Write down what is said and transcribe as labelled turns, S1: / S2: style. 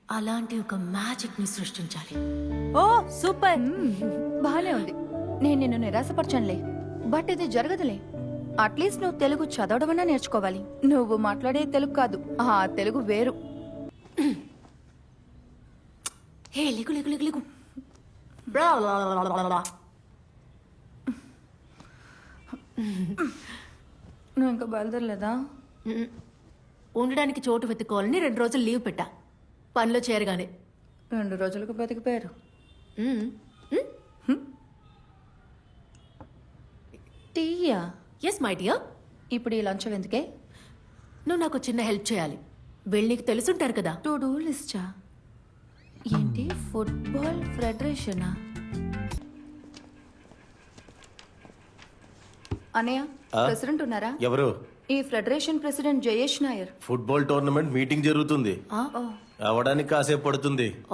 S1: అలాంటి ఒక మ్యాజిక్ ని సృష్టించాలి.
S2: Oh super.
S3: బానే ఉంది. నేను నిన్ను నిరాశపరచనులే, బట్ ఇది జరగదులే. అట్లీస్ట్ నువ్వు తెలుగు చదవడమన్నా నేర్చుకోవాలి. నువ్వు మాట్లాడే తెలుగు కాదు, ఆ తెలుగు వేరు.
S1: హే లిగు లిగు లిగు లిగు.
S3: నువ్వు ఇంకా బయలుదేరలేదా?
S1: ఉండడానికి చోటు వెతుక్కోవాలని 2 రోజులు లీవ్ పెట్టా. పనిలో చేరగానే
S3: 2 రోజులకు బతికిపోయారు. టీయా?
S1: Yes my dear.
S3: ఇప్పుడు ఈ లంచం ఎందుకే?
S1: నువ్వు నాకు చిన్న హెల్ప్ చేయాలి. వీళ్ళు నీకు తెలుసుంటారు కదా.
S3: టు డూ లిస్టా? ఏంటి, ఫుట్బాల్ ఫెడరేషనా? అనయ్య, ప్రెసిడెంట్ ఉన్నారా?
S4: ఎవరు?
S3: ఈ federation president Jayesh Nair.
S4: Football tournament meeting జరుగుతుంది, అవడానికి కాసేపు పడుతుంది.